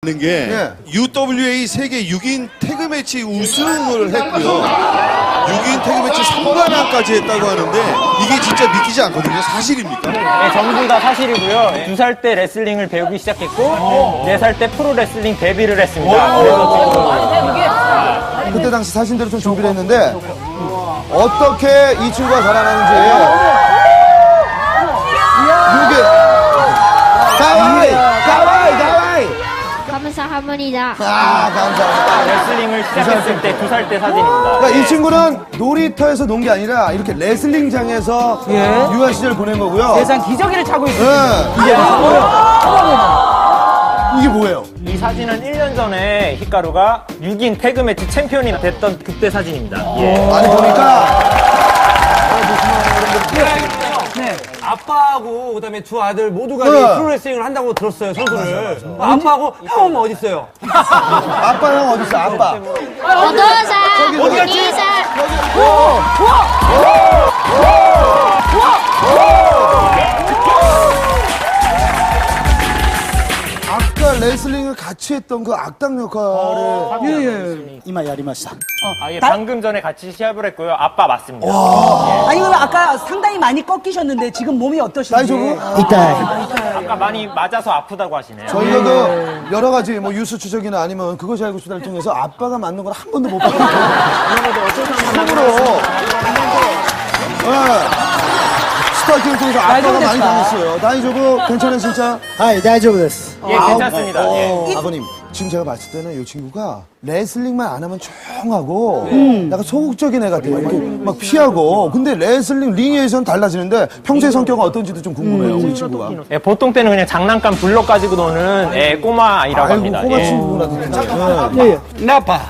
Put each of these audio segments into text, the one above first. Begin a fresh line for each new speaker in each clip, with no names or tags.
게 UWA 세계 6인 태그 매치 우승을 했고요. 6인 태그 매치 3관왕까지 했다고 하는데 이게 진짜 믿기지 않거든요. 사실입니까?
네, 전부 다 사실이고요. 2살 때 레슬링을 배우기 시작했고 4살 때 프로 레슬링 데뷔를 했습니다. 그래서 지금
그때 당시 사진대로 좀 준비를 했는데 어떻게 이 친구가 자라나는지 이게 가와이 가와이 가와이
감사합니다.
감사합니다.
레슬링을 시작했을 때 2살 때 사진입니다.
그러니까 이 친구는 놀이터에서 논 게 아니라 이렇게 레슬링장에서 유아 시절 보낸 거고요.
세상 기저귀를 차고 있어요.
네. 이게 뭐예요?
이 사진은 1년 전에 히카루가 6인 태그 매치 챔피언이 됐던 그때 사진입니다. 예.
아니 보니까
네.
아빠하고 그다음에 두 아들 모두가
네.
프로레슬링을 한다고 들었어요, 선수를. 아빠하고 형은 어디 있어요?
아빠 형 어디 있어? 아빠.
어도사, 어디사.
아까 레슬링을 같이 했던 그 악당 역할을
이마 야리마시다.
예, 방금 전에 같이 시합을 했고요. 아빠 맞습니다.
아니, 그럼 아까 상당히 많이 꺾이셨는데 지금 몸이 어떠신지?
나이저분
아까 많이 맞아서 아프다고 하시네요.
저희가 그 여러 가지 뭐 뉴스 추적이나 아니면 그것이 알고 싶다를 통해서 아빠가 맞는 걸 한 번도 못 봤거든요. 처음으로 스타킹을 통해서 아빠가 많이 당했어요. 나이저분 괜찮아요 진짜?
하이, 다이조브 데스.
예, 괜찮습니다. 예.
아버님 지금 제가 봤을 때는 이 친구가 레슬링만 안 하면 조용하고 약간 소극적인 애 같아요. 이렇게 막 피하고. 근데 레슬링 링에서는 달라지는데 평소의 성격은 어떤지도 좀 궁금해요. 우리 친구가.
예, 보통 때는 그냥 장난감 블록 가지고 노는 꼬마 아이라고 합니다.
꼬마
예.
친구구나. 진짜.
나빠.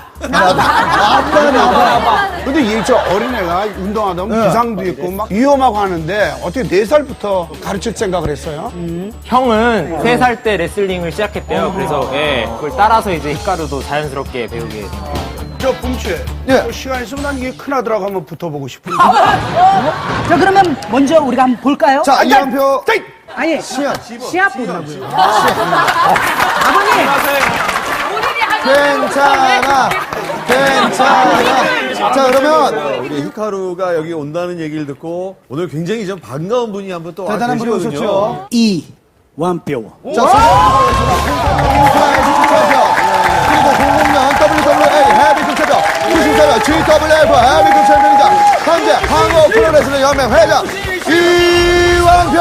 근데 이 저 어린애가 운동하다 보면 부상도 있고 막 위험하고 하는데 어떻게 4살부터 가르칠 생각을 했어요?
형은 3살 때 레슬링을 시작했대요. 그래서 예, 그걸 따라서 이제 히카루도 자연스럽게 배우게 됩니다.
저 붐추에
예.
시간 있으면 난 이게 큰아들하고 한번 붙어보고 싶은데.
자, 그러면 먼저 우리가 한번 볼까요?
자, 이한표
아니,
시연.
시합 보자고요. 아버님!
괜찮아. 자, 그러면
우리 히카루가 여기 온다는 얘기를 듣고 오늘 굉장히 좀 반가운 분이 한 분 또
대단한 분이
계시거든요.
오셨죠.
이, 완뼈.
자, 그리고 00년 WWA 헤비급 챔피언, 94년 GWF 헤비급 챔피언이자 현재 한국 프로레슬링 연맹 회장 이완표.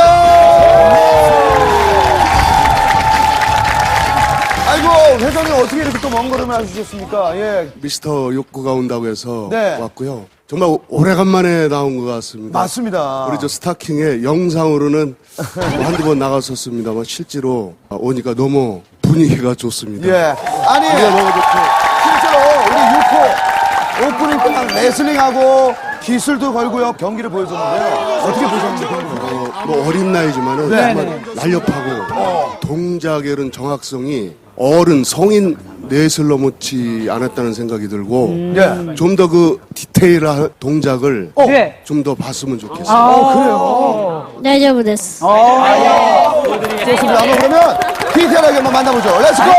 아이고, 회장님 어떻게 이렇게 또 먼 걸음을 하셨습니까? 예.
미스터 욕구가 온다고 해서
네.
왔고요. 정말 오래간만에 나온 것 같습니다.
맞습니다.
우리 저 스타킹에 영상으로는 한두 번 나갔었습니다만 실제로 오니까 너무 분위기가 좋습니다.
예. 아니,
너무 좋고.
실제로 우리 6호 오프닝 때 막 레슬링하고 기술도 걸고요. 경기를 보여줬는데요. 어떻게 보셨는지 궁금해요.
뭐 어린 나이지만은 정말 날렵하고 동작의 그런 정확성이 어른 성인 넷을 넘지 않았다는 생각이 들고
예.
좀 더 그 디테일한 동작을
네.
좀 더 봤으면 좋겠어요.
그래요?
大丈夫です。
좋습니다. 한번 그러면 디테일하게 한번 만나보죠. 렛츠고!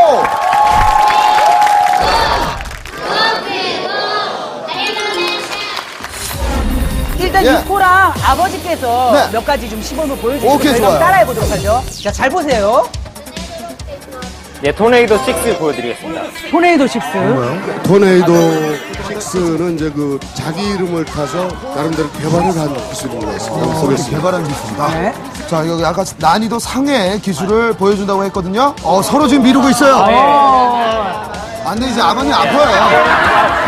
일단
예.
유코랑 아버지께서
네.
몇 가지 좀 시범을 보여주시고
오케이,
저희가 한번
좋아요.
따라해보도록 하죠. 자, 잘 보세요.
예, 토네이도 6 보여드리겠습니다.
토네이도 6.
토네이도 6는 이제 그 자기 이름을 타서 나름대로 개발을 한 기술인 것 같습니다. 보겠습니다.
개발한 기술입니다.
네.
자, 여기 아까 난이도 상의 기술을 보여준다고 했거든요. 서로 지금 미루고 있어요. 안 돼, 이제 아버님 아파요.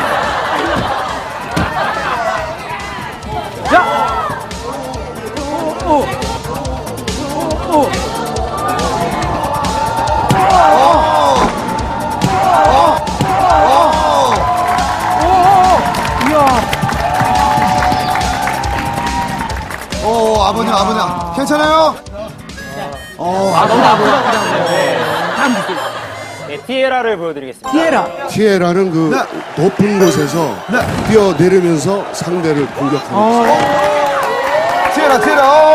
자!
아버님. 괜찮아요?
다음 주세요.
예, 티에라를 보여드리겠습니다.
티에라.
티에라는 그 높은 곳에서 뛰어내리면서 상대를 공격하는 기술.
티에라.